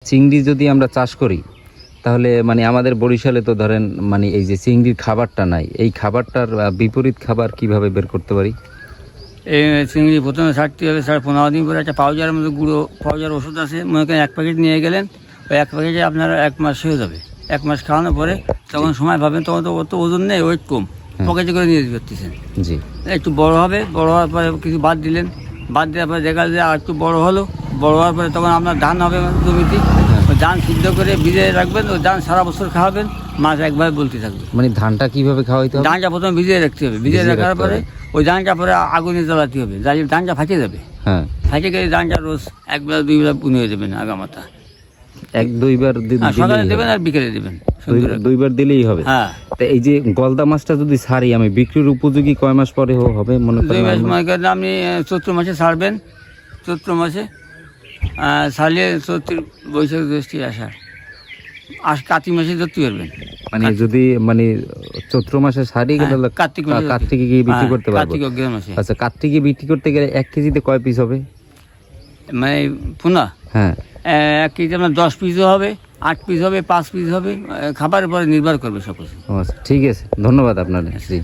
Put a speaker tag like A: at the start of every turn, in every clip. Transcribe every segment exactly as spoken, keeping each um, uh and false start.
A: চিংড়ি যদি আমরা চাষ করি তাহলে মানে আমাদের বরিশালে তো ধরেন মানে এই যে চিংড়ির খাবারটা নাই, এই খাবারটার বিপরীত খাবার কিভাবে বের করতে পারি?
B: এই চিংড়ি প্রথমে ছাড়তে হবে, সাড়ে পনেরো দিন পরে একটা পাউডারের মধ্যে গুঁড়ো পাউডার ওষুধ আছে, মনে করেন এক প্যাকেট নিয়ে গেলেন, ওই এক প্যাকেটে আপনার এক মাস হয়ে যাবে। এক মাস খাওয়ানোর পরে তখন সময় পাবেন, তখন তো অত ওজন নেই, ওয়েট কম, পকেটে করে নিয়ে যেতে পারতেছেন।
A: জি,
B: একটু বড় হবে, বড় হওয়ার পরে কিছু বাদ দিলেন, বাদ দেওয়ার পরে দেখা যায় আর একটু বড় হলো, বড় হওয়ার পরে তখন আপনার ধান হবে জমিতে, ওই ধান সিদ্ধ করে ভিজে রাখবেন, ওই ধান সারা বছর খাওয়াবেন, মাছ একবার বলতে থাকবে।
A: মানে ধানটা কিভাবে খাওয়াইতে হবে?
B: ধানটা প্রথমে ভিজিয়ে রাখতে হবে, ভিজিয়ে রাখার পরে ওই ধানটা পরে আগুনে জ্বালাতে হবে, জ্বালিয়ে ধানটা ফাটে যাবে।
A: হ্যাঁ,
B: ফাটে গেলে ধানটা রোজ একবার দুই বেলা পুনে দেবেন আগামাতা,
A: এক দুইবার দি-
B: আর সকালে
A: দিলেই
B: দেবেন
A: হবে?
B: আর বিকেলে দেবেন।
A: দুই- দুইবার দিলেই হবে।
B: হ্যাঁ,
A: তো এই যে গলদা মাছটা যদি ছাড়ি আমি, বিক্রির উপযোগী কয় মাস পরে হ- হবে মনে
B: দুই
A: করেন?
B: মাস
A: আমার-
B: মনে করেন আপনি চৈত্র মাসে ছাড়বেন, চৈত্র মাসে আহ, ছাড়লে চৈত্র বৈশাখ জ্যৈষ্ঠ আষাঢ় আস কার্তিক মাসে ধরতে পারবেন।
A: মানে যদি মানে চৈত্র মাসে ছাড়ি
B: হ্যাঁ,
A: গেলে
B: কার্তিক মাসে ধরতে-
A: কার্তিকে গিয়ে বিক্রি
B: হ্যাঁ,
A: করতে পারবো?
B: কার্তিক অগ্রহায়ণ মাসে।
A: আচ্ছা, কার্তিকে বিক্রি করতে গেলে এক কেজিতে কয় পিস হবে?
B: মানে পুনা
A: হ্যাঁ,
B: এক কেজি আপনার দশ পিসও হবে, আট পিস হবে, পাঁচ পিস হবে, আহ, খাবারের পরে নির্ভর করবে সব কিছু।
A: ও আচ্ছা, ঠিক আছে, ধন্যবাদ আপনাদের। জি,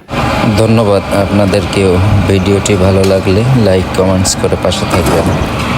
A: ধন্যবাদ আপনাদেরকেও। ভিডিওটি ভালো লাগলে লাইক কমেন্টস করে পাশে থাকবেন।